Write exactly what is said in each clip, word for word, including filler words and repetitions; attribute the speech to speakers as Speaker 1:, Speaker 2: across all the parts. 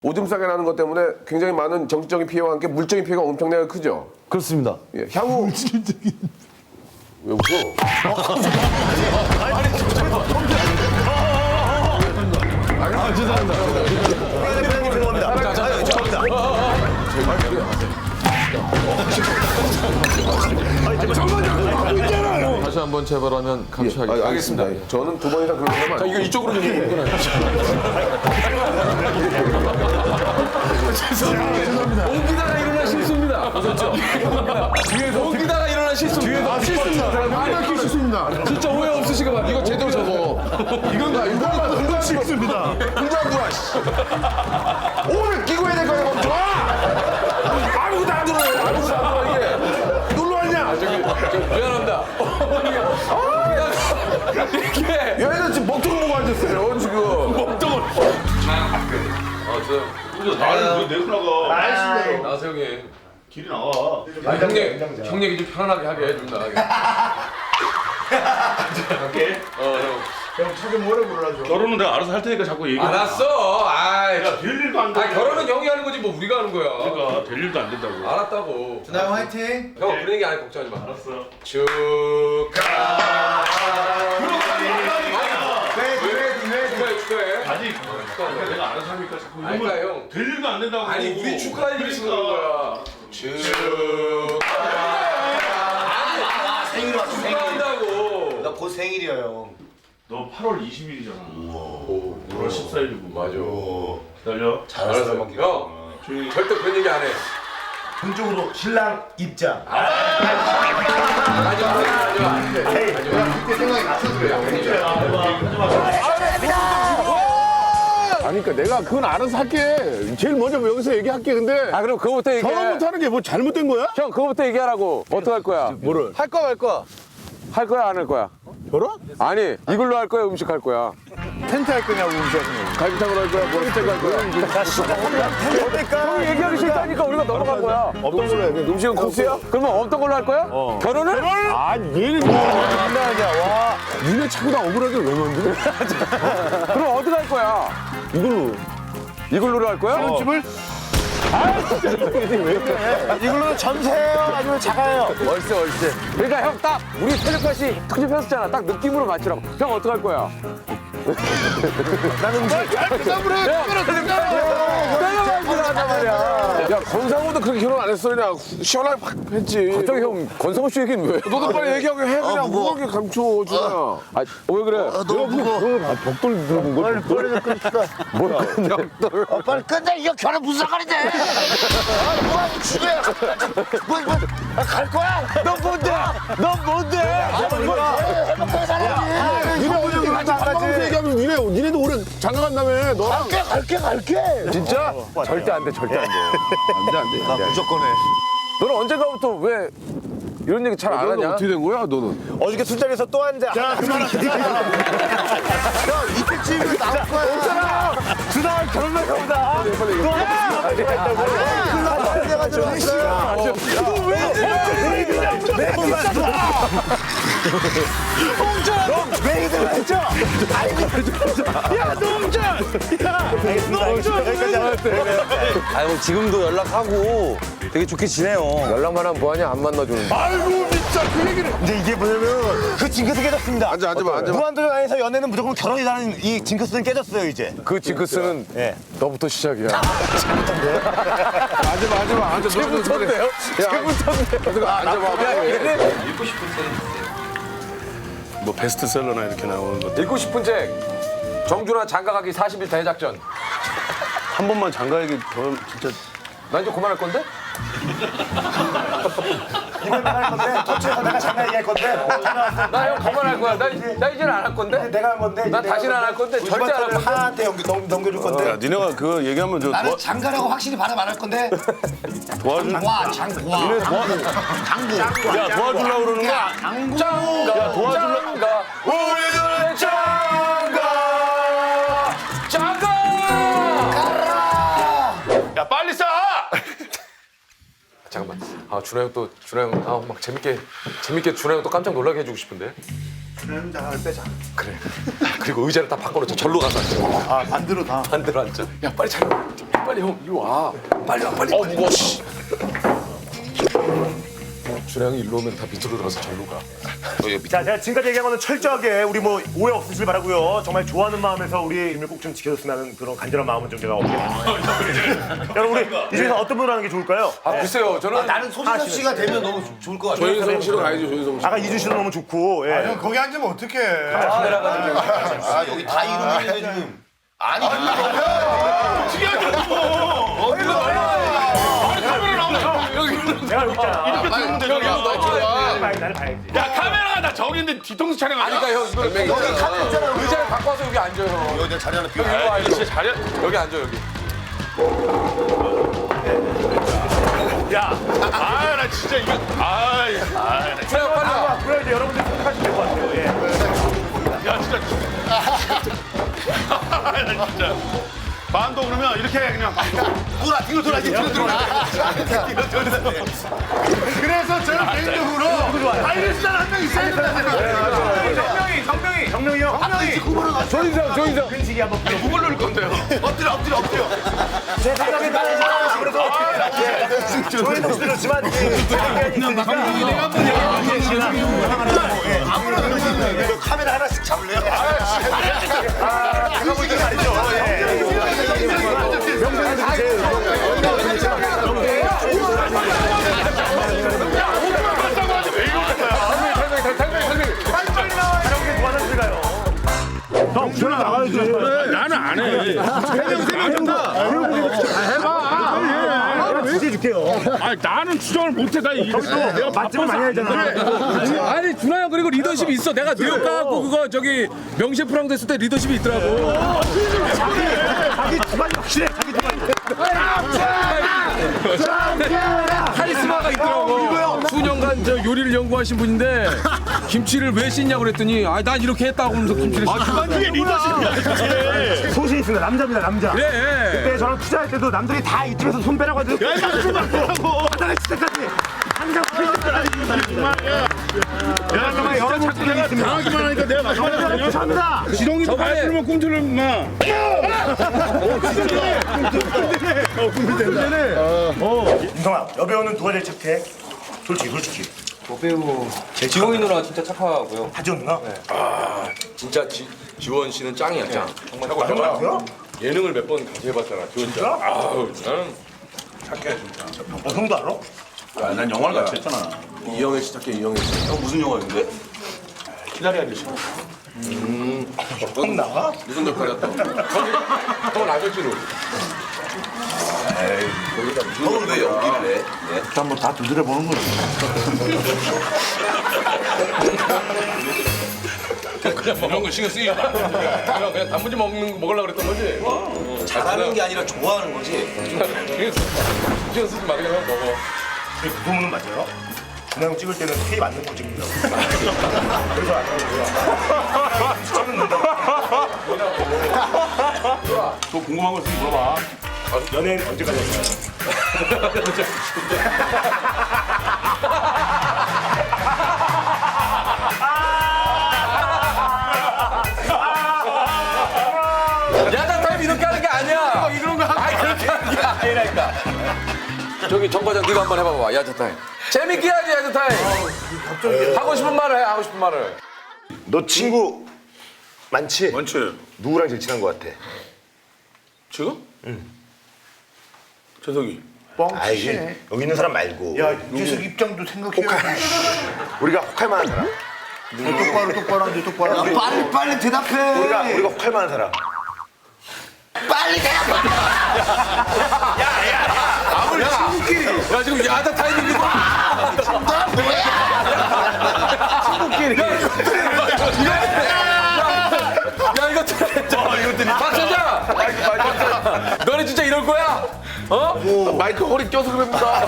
Speaker 1: 오줌 싸게 나는 것 때문에 굉장히 많은 정신적인 피해와 함께 물적인 피해가 엄청나게 크죠.
Speaker 2: 그렇습니다.
Speaker 1: 예, 향후 물질적인 왜 웃어?
Speaker 2: 아, 죄송합니다.
Speaker 3: 죄송합니다. 자, 자, 죄송합니다.
Speaker 4: 다시 한번 재발하면 감시하겠습니다.
Speaker 1: 아, 알겠습니다. 저는 두 번 이상 그런 거면
Speaker 4: 자, 이거 이쪽으로 좀 끊어요. 죄송합니다. 옮기다가 일어난 실수입니다. 그렇죠? 뒤에서 옮기다가 일어난 실수. 뒤에서 실수입니다.
Speaker 1: 정말 실수입니다.
Speaker 4: 진짜 오해 없으시게 봐. 이거 제대로 적어.
Speaker 1: 이건가? 이건가? 이건 실수입니다. 혼자 누워. 오늘 끼고 해야 될 거야. 멈춰! 아무것도 안 들어요. 아무것도 안 들어 이게. 놀러 왔냐?
Speaker 4: 미안합니다. 이렇게
Speaker 1: 얘는 지금 먹통 보고 앉았어요. 지금.
Speaker 4: 먹통을. 아, 저
Speaker 3: 나는 왜 내고 나가?
Speaker 4: 나서 형님.
Speaker 3: 길이 나와.
Speaker 4: 아, 형님, 형 얘기 좀 편안하게 하게 해준다.
Speaker 3: 갈게.
Speaker 4: 어, 형.
Speaker 3: 결혼은 내가 알아서 할 테니까 자꾸 얘기해.
Speaker 4: 알았어. 아이.
Speaker 3: 야, 될 일도 안 돼.
Speaker 4: 아, 결혼은 형이 하는 거지 뭐 우리가 하는 거야.
Speaker 3: 그러니까 될 일도 안 된다고.
Speaker 4: 알았다고.
Speaker 5: 준하 형 화이팅!
Speaker 4: 형 그런 얘기 안 해. 걱정하지 마.
Speaker 3: 알았어.
Speaker 4: 축하.
Speaker 5: 왜, 왜, 왜?
Speaker 4: 축하해, 축하해.
Speaker 3: 아직
Speaker 4: 축하한다.
Speaker 3: 내가 알아서 하니까 자꾸
Speaker 4: 아니, 그러니까
Speaker 3: 이러면
Speaker 4: 형.
Speaker 3: 될 일도 안 된다고.
Speaker 4: 아니 우리 축하할 일이 있어서 그런 거야. 축하.
Speaker 5: 생일 왔어, 생일.
Speaker 4: 축하한다고.
Speaker 5: 나 곧 생일이야, 형.
Speaker 3: 너 팔월 이십일이잖아. 오월 십사일이고.
Speaker 4: 맞아.
Speaker 3: 기다려.
Speaker 5: 잘했어,
Speaker 4: 형, 형.
Speaker 3: 조용히.
Speaker 4: 절대 그런 얘기 안 해.
Speaker 5: 본적으로 신랑 입장.
Speaker 4: 하지 마, 하지 마.
Speaker 5: 그때 생각이 났어, 그래.
Speaker 1: 아니, 그러니까 내가 그건 알아서 할게. 제일 먼저 여기서 얘기할게. 근데
Speaker 6: 아 그럼 그거부터 얘기해.
Speaker 1: 결혼부터 하는 게 뭐 잘못된 거야?
Speaker 6: 형 그거부터 얘기하라고. 어떻게 할 거야?
Speaker 1: 뭐를?
Speaker 6: 할 거야 말 거야? 할 거야 안 할 거야?
Speaker 1: 결혼?
Speaker 6: 아니 이걸로 할 거야 음식 할 거야?
Speaker 1: 텐트 할 거냐고 음식 하는 거. 갈비탕으로 할 거야? 뭐를 할 거야?
Speaker 6: 그러니까 형이 얘기하기 싫다니까 우리가 넘어간 거야.
Speaker 1: 어떤 걸로 해? 음식은 코스야?
Speaker 6: 그러면 없던 걸로 할 거야? 결혼을?
Speaker 1: 아, 얘는 장난하냐? 와, 니네 자꾸 나 억울하게 왜 만드냐?
Speaker 6: 그럼 어떻게 할 거야?
Speaker 1: 이걸로.
Speaker 6: 이걸로 할 거야?
Speaker 1: 집을?
Speaker 5: 이걸로 전세예요? 아니면 작아요?
Speaker 6: 월세 월세. 그러니까 형 딱 우리 텔레파시 특집했었잖아. 딱 느낌으로 맞추라고. 형 어떻게 할 거야?
Speaker 1: 나는 음식. 대답을 해.
Speaker 6: 내가 말을 한단 말이야.
Speaker 1: 야, 권상우도 그렇게 결혼 안 했어. 그냥 시원하게 팍 했지.
Speaker 6: 갑자기 형 권성우 씨 얘기는 왜?
Speaker 1: 너도 빨리 얘기하게 해. 그냥 무겁게 감춰, 준아.
Speaker 6: 아, 왜 그래?
Speaker 5: 너무 무거워.
Speaker 1: 아, 벽돌 들어본 거.
Speaker 5: 빨리, 빨리 좀 끊읍시다.
Speaker 6: 뭘 끝내?
Speaker 5: 어, 빨리 끝내. 이거 결혼 무슨 상관인데? 아, 뭐야, 이거 죽여야. 뭐, 뭐, 아, 갈 거야?
Speaker 6: 넌 뭔데? 넌 뭔데?
Speaker 5: 행복하게 살아야지.
Speaker 1: 니네 어제 같이 밥 먹으면서 얘기하면서 니네, 니네도 올해 장가 간다며. 너.
Speaker 5: 갈게, 갈게, 갈게.
Speaker 6: 진짜? 절대 안 돼, 절대 안 돼.
Speaker 1: 안 돼, 안 돼.
Speaker 5: 나 무조건 해.
Speaker 6: 너는 언젠가부터 왜 이런 얘기 잘 안
Speaker 1: 너는
Speaker 6: 하냐?
Speaker 1: 어떻게 된 거야, 너는?
Speaker 5: 어저께 술자리에서 또 한 대. 자, 그만하자. 형, 이때 집에 나올 거야.
Speaker 6: 준아 결혼할 거보다.
Speaker 5: 빨리 내가지고 왔어요. 메이드가 했죠? 야, 농전! 야, 농전! 여기까지 알았대.
Speaker 2: 아유, 지금도 연락하고 되게 좋게 지내요.
Speaker 6: 연락만 하면 뭐하냐? 안 만나주는데.
Speaker 1: 아이고, 진짜 그 얘기를.
Speaker 5: 근데 이게 뭐냐면 그 징크스 깨졌습니다.
Speaker 1: 앉아, 앉아봐, 앉아봐.
Speaker 5: 무한도전 안에서 연애는 무조건 결혼이라는 이 징크스는 깨졌어요, 이제.
Speaker 6: 그 징크스는
Speaker 5: 예.
Speaker 6: 너부터 시작이야.
Speaker 1: 앉아봐, 앉아봐. 앉아,
Speaker 6: 제부터인데요? 제부터인데요?
Speaker 1: 앉아봐.
Speaker 6: 야, 얘네
Speaker 2: 뭐 베스트셀러나 이렇게 나오는 것.
Speaker 6: 읽고 싶은 책. 정준하 장가가기 사십 일 대작전.
Speaker 2: 한 번만 장가 얘기 더 진짜.
Speaker 6: 나 이제 그만할 건데?
Speaker 5: 이번 내가 할 건데, 토치에서 내가 잠깐 얘기할 건데.
Speaker 6: 나 형 그만할 거야. 나, 나 이제는 안 할 건데?
Speaker 5: 내가 할 건데.
Speaker 6: 난 다시는 안 할 건데, 절대 안 할 건데.
Speaker 5: 하나한테 넘겨, 넘, 넘겨줄 건데.
Speaker 2: 야, 니네가 그거 얘기하면 저
Speaker 5: 나는
Speaker 2: 도와,
Speaker 5: 장가라고 확실히 받아 말할 건데.
Speaker 2: 도와줄.
Speaker 5: 장과, 장과. 장구.
Speaker 2: 야, 도와주려고 그러는 거야?
Speaker 6: 짱가,
Speaker 2: 야, 도와줄래?
Speaker 6: 짱가, 우리들의 짱가, 짱가!
Speaker 3: 야, 빨리 싸!
Speaker 4: 잠깐만. 아 준하 형 또 준하 형아막 재밌게 재밌게 준하 형 또 깜짝 놀라게 해주고 싶은데. 그래. 그리고 의자를 다 바꿔놓자. 절로 가서 앉자.
Speaker 5: 아 반대로 다.
Speaker 4: 반대로 앉자. 야 빨리 차려. 빨리 형 이리 와. 빨리 와 빨리. 어 무거워. 씨. 준하 형이 일로 오면 다 밑으로 들어가서 절로 가.
Speaker 7: 자, 제가 지금까지 얘기한 거는 철저하게 우리 뭐 오해 없으시길 바라고요. 정말 좋아하는 마음에서 우리 팀을 꼭 좀 지켜줬으면 하는 그런 간절한 마음은 좀 제가 없네요. 여러분 우리 이 중에서 어떤 분을 하는 게 좋을까요?
Speaker 4: 아 글쎄요. 저는
Speaker 5: 나는 소진섭 씨가 되면 너무 좋을 것 같아.
Speaker 4: 조인성 씨로 가야죠. 조인성 씨.
Speaker 7: 아까 이준 씨도 너무 좋고. 예.
Speaker 5: 형 거기 앉으면 어떡해. 아 여기 다 이름인데 지금. 아니
Speaker 7: 내가 여기 있잖아.
Speaker 3: 이렇게 들으면 되잖아.
Speaker 7: 나를 나를 봐야지.
Speaker 3: 야 카메라가 나 저기 있는데 뒤통수 촬영하냐?
Speaker 4: 그러니까 형 이거
Speaker 5: 여기 카드 있잖아.
Speaker 4: 의자를 바꿔서 여기 앉아요.
Speaker 5: 여기 내가 자리 하나 비워.
Speaker 3: 아, 이거 진짜 잘해.
Speaker 4: 여기 앉아 여기.
Speaker 3: 야, 아, 나 진짜 이거, 아, 아, 나
Speaker 4: 준하 형 빨리 와.
Speaker 7: 그래 이제 여러분들 선택하시면 될 것 같아요. 예.
Speaker 3: 야, 진짜. 나 진짜. 반도 그러면 이렇게 해, 그냥 반도.
Speaker 5: 돌아 뒤로 돌아 뒤로 돌아. 뒤로 돌아. 그래서 저는 개인적으로 하이리스탄 한 명 있어야 된다는
Speaker 7: 성명이, 성명이 형. 성명이.
Speaker 4: 조인성 조인성.
Speaker 7: 근식이 한번 불러.
Speaker 3: 누굴 넣을 건데요?
Speaker 5: 엎드려 엎드려 엎드려.
Speaker 7: 제 생각에 따라서 아무래도 조인성 씨도 지만 있으니까.
Speaker 5: 아무래도 카메라 하나씩 잡을래요?
Speaker 7: 아, 제가 볼 때는 아니죠. 형, 전화 나가야지.
Speaker 3: 나는 안 해.
Speaker 7: 해줄게요.
Speaker 3: 아, 나는 추정을 못해. 나 이거.
Speaker 7: 내가 맛집을 많이 알잖아.
Speaker 8: 아니 준하 형 그리고 리더십이 있어. 내가 뉴욕 가갖고 그거 저기 명셰프랑 됐을 때 리더십이 있더라고.
Speaker 7: 자기 집안이 확실해. 자기 집안이.
Speaker 8: 카리스마가 있더라고. 수년간 저 요리를 연구하신 분인데 김치를 왜 씻냐고 그랬더니 아 난 이렇게 했다고 하면서 김치를 씻어.
Speaker 3: 그게 리더십이야.
Speaker 7: 소신 있습니다. 남자입니다. 남자.
Speaker 8: 그래.
Speaker 7: 그때 저랑 투자할 때도 남들이 다 이쪽에서 손 빼라고 하더니 야, 이거 좀 바꾸라고. 바닥에 진짜까지. 항상
Speaker 3: 야,
Speaker 7: 정말 여러 분들이
Speaker 3: 내가
Speaker 7: 있습니다.
Speaker 3: 당하기만 하니까 내가 마지막에
Speaker 7: 감사합니다.
Speaker 3: 지렁이도 발으면 꿈틀을 마.
Speaker 7: 인성아, 여배우는 누가 제일 착해? 솔직히, 솔직히.
Speaker 6: 지홍이 누나 진짜 착하고요.
Speaker 7: 하지원 누나?
Speaker 4: 진짜 지, 지원 씨는 짱이야 짱. 정말
Speaker 7: 아, 형 같아요?
Speaker 4: 예능을 몇 번 같이 해봤잖아. 지원 씨. 아우 나는
Speaker 7: 어, 형도 알아?
Speaker 3: 야, 난 영화를 같이 했잖아.
Speaker 4: 이영애 씨 착해 이영애 씨.
Speaker 3: 형 무슨 영화인데? 키다리 아저씨.
Speaker 7: 형 나가?
Speaker 4: 무슨 역할이었다. 형이 형은 아저씨로.
Speaker 5: 형은 왜 연기를 해?
Speaker 7: 일단 뭐 다 두드려 보는 거지.
Speaker 4: 그냥 이런 거 신경 쓰이지 마. 그냥 그냥 단무지 먹는 먹으려고 그랬던 거지.
Speaker 5: 잘하는 게 아니라 좋아하는 거지.
Speaker 4: 신경 쓰- 신경 쓰지 마 그냥 먹어.
Speaker 7: 그 소문은 맞아요? 준하 형 찍을 때는 테이프 안 넣고 찍는다고. 그래서 안 나오고요.
Speaker 3: 또 궁금한 거 있으면 물어봐.
Speaker 7: 연예인 언제까지 했어요?
Speaker 4: 야자 타임 이렇게 하는 게 아니야. 이런 거 아니 그렇게 하는 게 아니라니까. 저기 정 과장 네가 한번 해봐봐 야자 타임. 재밌게 해야지 야자 타임. 하고 싶은 말을 해 하고 싶은 말을.
Speaker 7: 너 친구 많지?
Speaker 3: 원치.
Speaker 7: 누구랑 제일 친한 것 같아?
Speaker 3: 지금? 응. 재석이.
Speaker 7: 아이, 여기 있는 사람 말고.
Speaker 5: 야 유재석 입장도 생각해야지.
Speaker 7: 우리가 혹할 만한 사람.
Speaker 5: 똑바로 똑바로 앉아 똑바로. 야, 빨리 빨리 대답해.
Speaker 7: 우리가 우리가 혹할 만한 사람.
Speaker 5: 빨리 대답해.
Speaker 4: 야 지금 야자 타임인데.
Speaker 5: 너 뭐야?
Speaker 4: 야 이거 진짜. 박선장. 너네 진짜 이럴 거야? 어? 마이크 허리 껴서 그럽니다.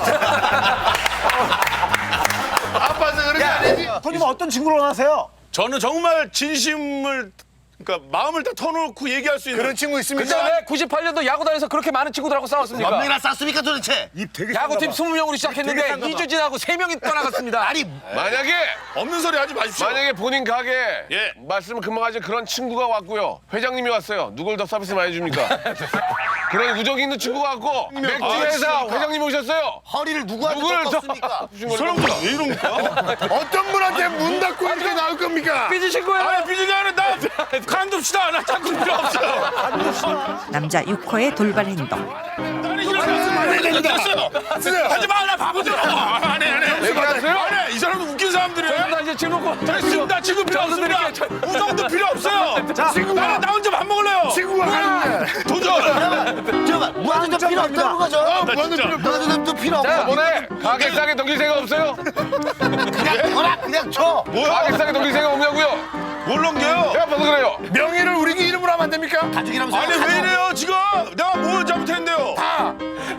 Speaker 3: 아빠는 그렇게 안 해지.
Speaker 7: 형님은 어떤 친구로 원하세요?
Speaker 3: 저는 정말 진심을 그러니까 마음을 다 터놓고 얘기할 수 있는
Speaker 5: 그런 친구 있습니까?
Speaker 8: 근데 왜 구십팔 년도 야구단에서 그렇게 많은 친구들하고 싸웠습니까?
Speaker 5: 몇 명이나 쌌습니까 도대체?
Speaker 8: 야구팀 이십 명으로 시작했는데 이 주 지나고 세 명이 떠나갔습니다.
Speaker 5: 아니
Speaker 9: 만약에
Speaker 3: 없는 소리 하지 마십시오.
Speaker 9: 만약에 본인 가게에
Speaker 3: 예.
Speaker 9: 말씀 금방 하신 그런 친구가 왔고요. 회장님이 왔어요. 누굴 더 서비스 많이 줍니까? 그런 우정 있는 친구가 왔고 맥주
Speaker 3: 아,
Speaker 9: 회사
Speaker 3: 진짜.
Speaker 9: 회장님이 오셨어요.
Speaker 5: 허리를 누구한테
Speaker 9: 누구를 더
Speaker 5: 꺾었습니까?
Speaker 3: 이 사람들 왜 이럽니까? 어떤 분한테 문 닫고 이렇게 나올 겁니까?
Speaker 8: 삐지신 거예요?
Speaker 3: 아니 삐지게 하는 나 간둡시다. 나 자꾸 필요 없어요.
Speaker 10: 남자 육 호의 돌발 행동.
Speaker 3: 나는 이런 말씀 안 해야 됐어요. 하지 마라 바보들아. 안해 안해.
Speaker 9: 얘기하세요?
Speaker 3: 안해. 이 사람도 웃긴 사람들이에요.
Speaker 8: 나 이제 지금 놓고
Speaker 3: 됐습니다. 지금 필요 없습니다. 우정도 필요 없어요. 나는 나 혼자 밥 먹을래요.
Speaker 5: 친구가 가는데
Speaker 3: 도전.
Speaker 5: 잠깐만 무한도전 필요 없다는 거죠?
Speaker 3: 무한도전
Speaker 5: 무한도전도 필요 없어.
Speaker 9: 저번에 가게 싸게 넘길 생각 없어요?
Speaker 5: 그냥 거라 그냥 줘.
Speaker 9: 가게 싸게 넘길 생각 없냐고요?
Speaker 3: 뭘 넘겨요?
Speaker 9: 내가 봐서 그래요.
Speaker 3: 명예를 우리 이름으로 하면 안 됩니까?
Speaker 5: 가족이라면서
Speaker 3: 아니 왜 이래요 지금? 내가 뭘 잘못했는데요? 다.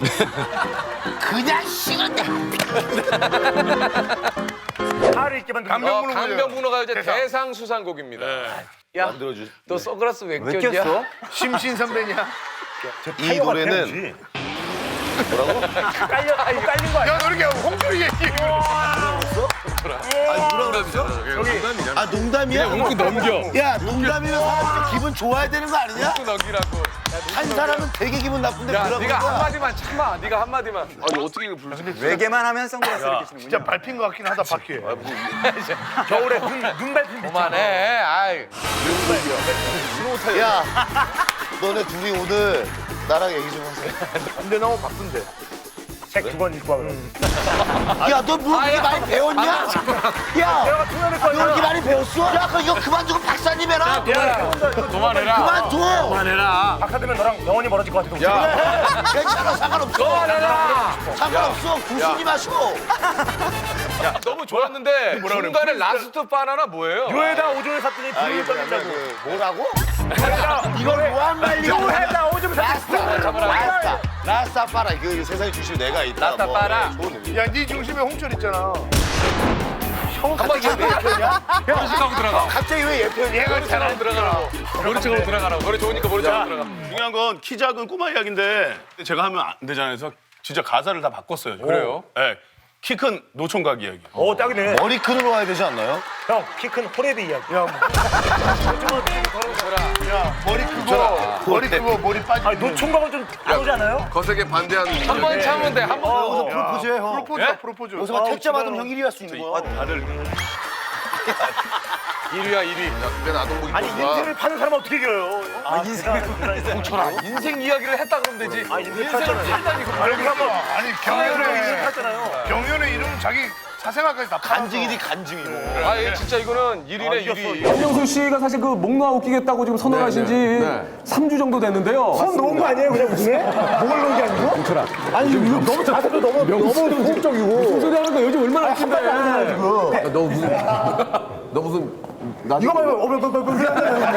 Speaker 5: 그냥 식은데.
Speaker 7: 살을 있게 만든
Speaker 8: 어, 강변북로가요제 대상수상곡입니다. 야, 너 선글라스 왜 꼈냐?
Speaker 5: 심신 선배냐?
Speaker 7: 이 노래는 뭐라고? 깔려 아니 깔린 거 아니야?
Speaker 3: 야 너 이렇게 홍준이 얘기.
Speaker 5: 아 농담이야?
Speaker 8: 웃고 넘겨.
Speaker 5: 야 농담이면 사람들 기분 좋아야 되는 거 아니냐?
Speaker 8: 웃고 넘기라고.
Speaker 5: 한 사람은 되게 기분 나쁜데
Speaker 8: 야,
Speaker 5: 그러는
Speaker 8: 네가
Speaker 5: 거야.
Speaker 8: 한마디만 참아. 네가 한마디만.
Speaker 9: 아니 어떻게 이걸 부르지?
Speaker 2: 외계만 하면 선글라스 이렇게 쓰는
Speaker 3: 진짜 밟힌 것 같긴 하다 바퀴.
Speaker 7: 겨울에 눈, 눈 밟힌 비슷한
Speaker 8: 그만해. 아이.
Speaker 5: 야 너네 둘이 오늘 나랑 얘기 좀 하세요.
Speaker 7: 근데 너무 바쁜데 책 두 권 읽고 와 그럼
Speaker 5: 야너 뭐 그렇게 많이 배웠냐? 야
Speaker 7: 내가 통역을
Speaker 5: 너
Speaker 7: 거야
Speaker 5: 그렇게 많이 배웠어? 야 그럼 이거 그만 두고 박사님 해라.
Speaker 8: 그만해라.
Speaker 5: 그만둬.
Speaker 8: 그만해라.
Speaker 7: 박사되면 너랑 영원히 멀어질 것 같아서
Speaker 5: 괜찮아 상관없어.
Speaker 8: 그만해라.
Speaker 5: 상관없어. 구순이 마시고.
Speaker 8: 너무 좋았는데 중간에 라스트 바나나 뭐예요?
Speaker 7: 교회다 오줌을 샀더니 불을 떠진다고
Speaker 5: 뭐라고? 이걸 뭐한 말리?
Speaker 7: 교회다 오줌을 샀더니
Speaker 5: 라스타. 라스타. 라스타 파라. 그 세상의 중심에 내가 있다.
Speaker 8: 라스타
Speaker 5: 뭐.
Speaker 8: 파라.
Speaker 5: 좋은 의미.
Speaker 3: 야 네 중심에 홍철 있잖아.
Speaker 8: 한번 예표냐? 머리 치고 들어가.
Speaker 5: 갑자기 왜 예편이야?
Speaker 8: 머리 치고 들어가라고. 머리 치고 들어가라고. 머리 좋으니까 머리 치고 들어가.
Speaker 3: 중요한 건 키 작은 꼬마 이야기인데 제가 하면 안 되잖아요. 그래서 진짜 가사를 다 바꿨어요.
Speaker 8: 그래요?
Speaker 3: 네. 키 큰 노총각 이야기.
Speaker 7: 어 딱이네
Speaker 5: 머리 큰으로 와야 되지 않나요?
Speaker 7: 형 키 큰 호레비 이야기
Speaker 3: 야 머리 크고 머리 크고 머리 빠지고.
Speaker 7: 아니 노총각은 좀 안 오지 않아요?
Speaker 9: 거세게 반대하는
Speaker 8: 한 번 참으면 돼. 한 번.
Speaker 5: 여기서 프로포즈 해, 형.
Speaker 3: 프로포즈다 프로포즈.
Speaker 5: 여기서 막 택자 받으면 형 일 위 할 수 있는 거야.
Speaker 3: 다들
Speaker 8: 일 위야 일 위.
Speaker 9: 맨 아동복이
Speaker 7: 아니 인생을 파는 사람은 어떻게 이겨요? 아 인생을
Speaker 8: 인생 이야기를 했다 그러면 되지.
Speaker 7: 아 인생
Speaker 8: 인생을
Speaker 7: 팔잖아요
Speaker 8: 살다니.
Speaker 3: 아니 그러면 아니
Speaker 7: 인생
Speaker 3: 경연에
Speaker 7: 팔잖아요
Speaker 3: 경연의 이름 자기 사생활까지 다
Speaker 5: 간증이니 간증이고.
Speaker 8: 아, 얘 진짜 이거는 일 위네 일 위.
Speaker 6: 박명수 씨가 사실 그 목놓아 웃기겠다고 지금 선언하신 지 삼 주 정도 됐는데요.
Speaker 7: 손 놓은 거 아니에요 그냥 무슨 목을 놓은 게 아니고? 아니 이거 너무 자세도 너무 너무 소극적이고
Speaker 6: 무슨 소리 하는 거야? 요즘 얼마나 웃긴데.
Speaker 7: 지금
Speaker 6: 너 무슨 너 무슨
Speaker 7: 이거 봐요 어버버버버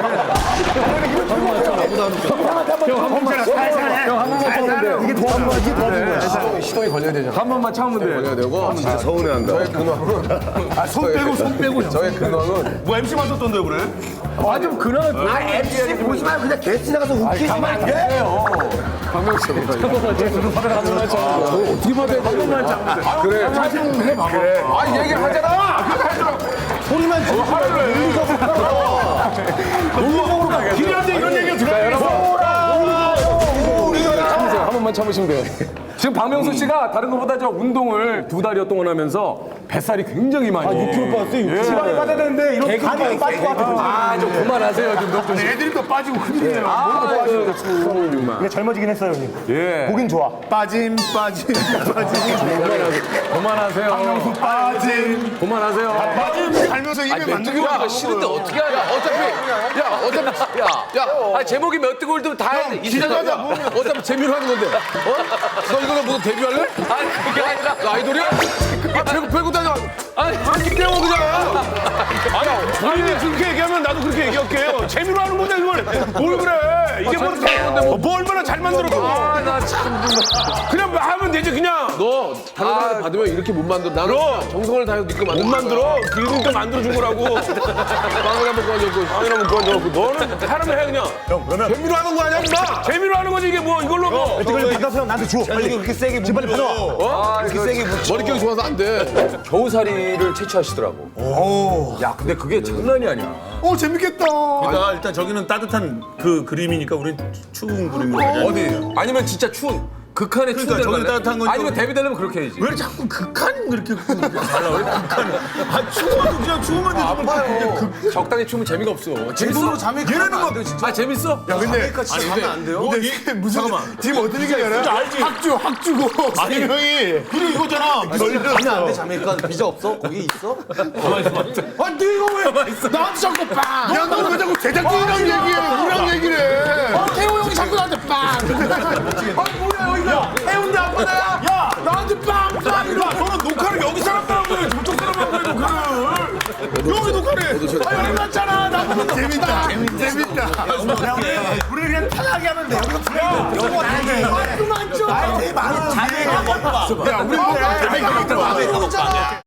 Speaker 7: 형한 번만 참으면 돼 이게 도와준 거야 이게 도와준 거야
Speaker 6: 시동이 걸려야 되잖아. 한 번만 참으면 돼. 걸려야 되고.
Speaker 9: 진짜 서운해한다.
Speaker 6: 저의 근황은
Speaker 7: 아손 빼고 손 빼고
Speaker 6: 저의 근황은
Speaker 3: 뭐 엠씨 맡았던데 그래?
Speaker 6: 아 좀 근황을
Speaker 5: 아 엠씨 보지 말고 그냥 게스트 나가서 웃기지만 돼.
Speaker 6: 박명수 씨. 한 번만 참으면 어떻게 받아야 돼? 한 번만 참으면 돼. 그래. 자신 해 봐봐. 그래. 아 얘기하잖아.
Speaker 5: 소리만 지르지 말고
Speaker 7: 논리적으로 가게 길한테 이런 얘기 들어요
Speaker 6: 참으세요. 한 번만 참으시면 돼요. 지금 박명수 씨가 다른 것보다 저 운동을 두 달여 동안 하면서 뱃살이 굉장히 많이. 아, 육 킬로그램 빠졌어요. 지방이 빠져야 되는데 이런 간이 빠질 것 같아요. 아, 좀 그만하세요. 좀 좀.
Speaker 3: 애들이 또 빠지고 큰일이네요.
Speaker 6: 아, 정말.
Speaker 7: 근데 젊어지긴 했어요 형님
Speaker 6: 예.
Speaker 7: 보긴 좋아 빠짐 빠짐 빠짐
Speaker 6: 그만하세요.
Speaker 7: 빠짐
Speaker 6: 그만하세요.
Speaker 3: 빠짐 살면서 입에 맞는
Speaker 8: 메뚜기
Speaker 3: 거야.
Speaker 8: 올드가 싫은데 어떻게 하냐? 어차피 야 어차피 야야 제목이 메뚜기 올드면 다 해야 돼. 이 세상에 어차피 재미로 하는 건데. 어? 너 이거는 무슨 데뷔할래? 아니 그게 아니라 너 아이돌이야? 아 배구 배구 다녀. 아니 저렇게 깨워 그냥.
Speaker 3: 아니 아니 그렇게 얘기하면 나도 그렇게 얘기할게요. 재미로 하는 건데 이걸 뭘 그래? 이게 뭐, 뭐, 뭐 얼마나 잘 만들었고.
Speaker 8: 아나 참.
Speaker 3: 그냥 뭐 하면 되지 그냥.
Speaker 8: 너 다른 사람한테 받으면 이렇게 못 만들어. 나는
Speaker 3: 그럼.
Speaker 8: 정성을 다해서 니꺼 만들어.
Speaker 3: 못 만들어. 그러니까 만들어준 거라고.
Speaker 8: 빵을 한번 구워줬고.
Speaker 3: 빵이나 한번 구워줘갖고 너는 하라면 해 그냥.
Speaker 7: 형 그러면
Speaker 3: 재미로 하는 거 아니야 임마. 재미로 하는 거지 이게 뭐 이걸로 뭐.
Speaker 7: 이걸 받아서 형 나한테 줘. 빨리 그렇게 세게 지금 빨리 받아.
Speaker 8: 머릿결이 좋아서 안 돼.
Speaker 6: 겨우살이를 채취하시더라고. 야, 근데 그게 장난이 아니야.
Speaker 5: 어 재밌겠다.
Speaker 7: 그러니까 일단 저기는 따뜻한 그 그림이니까 우린 추운 그림으로 가자.
Speaker 6: 어디? 아니면 진짜 추운 극한의 추운
Speaker 7: 그러니까
Speaker 6: 데로
Speaker 7: 저기
Speaker 6: 갈래?
Speaker 7: 따뜻한 건
Speaker 6: 아니면
Speaker 7: 좀-
Speaker 6: 데뷔 되려면 그렇게 해야지.
Speaker 7: 왜 자꾸 극한 그렇게 달라? 왜 극한? 아 추워도 그냥 추우면 되지.
Speaker 6: 아파요. 적당히 추면 재미가 없어. 재밌어?
Speaker 5: 자메이카
Speaker 7: 얘네는 뭐
Speaker 6: 아, 재밌어?
Speaker 5: 야 근데
Speaker 7: 진짜 가면 안 돼요?
Speaker 5: 근데 이게 무슨 지금 어떤 얘기냐 알지? 학주 학주고 아니 형이
Speaker 7: 그리고 이거잖아.
Speaker 5: 가면 안 돼.
Speaker 2: 자메이카 비자 없어? 거기 있어?
Speaker 5: 아니 너 이거 왜 나한테 자꾸 빵! 야 너 왜 자꾸 제작진이랑 얘기해? 우리랑 얘기를 해? 어 태호 형이 자꾸 나한테 빵! 아니 뭐야 여기가 해운대 앞바다야? 야 나한테 빵! 빵! 이러
Speaker 3: 너는 녹화를 여기 사람들하고 해. 저쪽 사람하고 해 녹화를. 여기 녹화를 해.
Speaker 5: 아 여기 났잖아 나 재밌다 재밌다
Speaker 7: 우리 그냥 편하게 하면 돼. 여기서 분위기 영어 나게.
Speaker 5: 그만 좀! 아이 많은 자네가 먹봐 야 우리 자네가 먹봐